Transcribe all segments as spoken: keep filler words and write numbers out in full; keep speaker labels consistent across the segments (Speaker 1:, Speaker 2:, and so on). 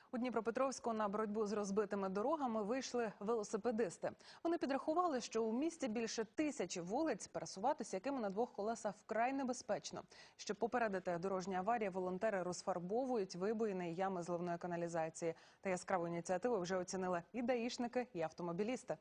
Speaker 1: У Дніпропетровську на боротьбу з розбитими дорогами вийшли велосипедисти. Вони підрахували, що у місті більше тисячі вулиць, пересуватися якими на двох колесах вкрай небезпечно. Щоб попередити дорожні аварії, волонтери розфарбовують вибоїни і ями зливної каналізації. Та яскраву ініціативу вже оцінили і даїшники, і автомобілісти.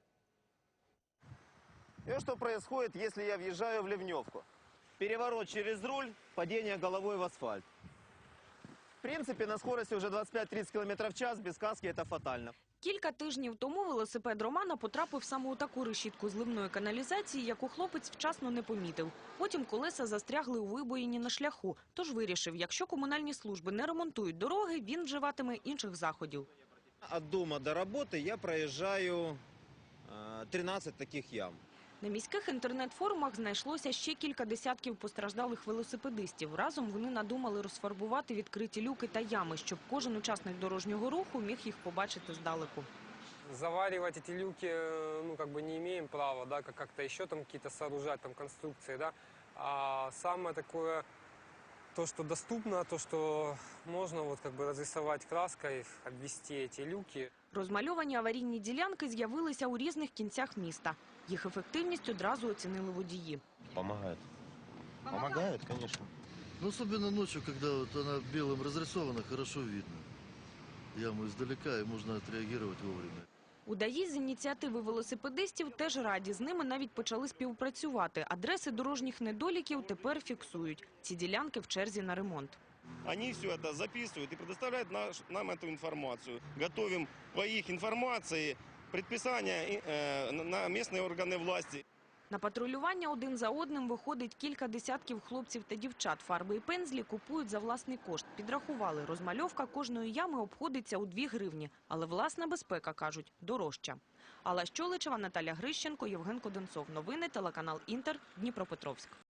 Speaker 2: И что происходит, если я въезжаю в ливневку? Переворот через руль, падение головой в асфальт. В принципе, на скорости уже двадцать пять тридцать километров в час без каски это фатально.
Speaker 3: Кілька тижнів тому велосипед Романа потрапив саме у таку решітку зливної каналізації, яку хлопець вчасно не помітив. Потім колеса застрягли у вибоїні на шляху. Тож вирішив, якщо комунальні служби не ремонтують дороги, він вживатиме інших заходів.
Speaker 2: От дома до работы я проезжаю тринадцать таких ям.
Speaker 3: На міських інтернет-форумах знайшлося ще кілька десятків постраждалих велосипедистів. Разом вони надумали розфарбувати відкриті люки та ями, щоб кожен учасник дорожнього руху міг їх побачити здалеку.
Speaker 4: Заваривать эти люки, ну, как бы не имеем права, да, как-то еще там какие-то сооружать там конструкции, да. А самое такое, то, что доступно, то, что можно вот как бы разрисовать краской, обвести эти люки.
Speaker 3: Розмальовані аварійні ділянки з'явилися у різних кінцях міста. Їх ефективність одразу оцінили водії.
Speaker 2: Помогает. Помогает, конечно.
Speaker 5: Ну, особенно ночью, когда вот она белым разрисована, хорошо видно яму издалека, и можно отреагировать вовремя.
Speaker 3: У ДАІ з ініціативи велосипедистів теж раді. З ними навіть почали співпрацювати. Адреси дорожніх недоліків тепер фіксують. Ці ділянки в черзі на ремонт.
Speaker 6: Они все это записывают и предоставляют наш, нам эту информацию. Готовим по их информации предписания э, на местные органы власти.
Speaker 3: На патрулювання один за одним виходить кілька десятків хлопців та дівчат. Фарби і пензлі купують за власний кошт. Підрахували, розмальовка кожної ями обходиться у дві гривні. Але власна безпека, кажуть, дорожча. Алла Щоличева, Наталя Грищенко, Євген Коденцов. Новини, телеканал Інтер, Дніпропетровськ.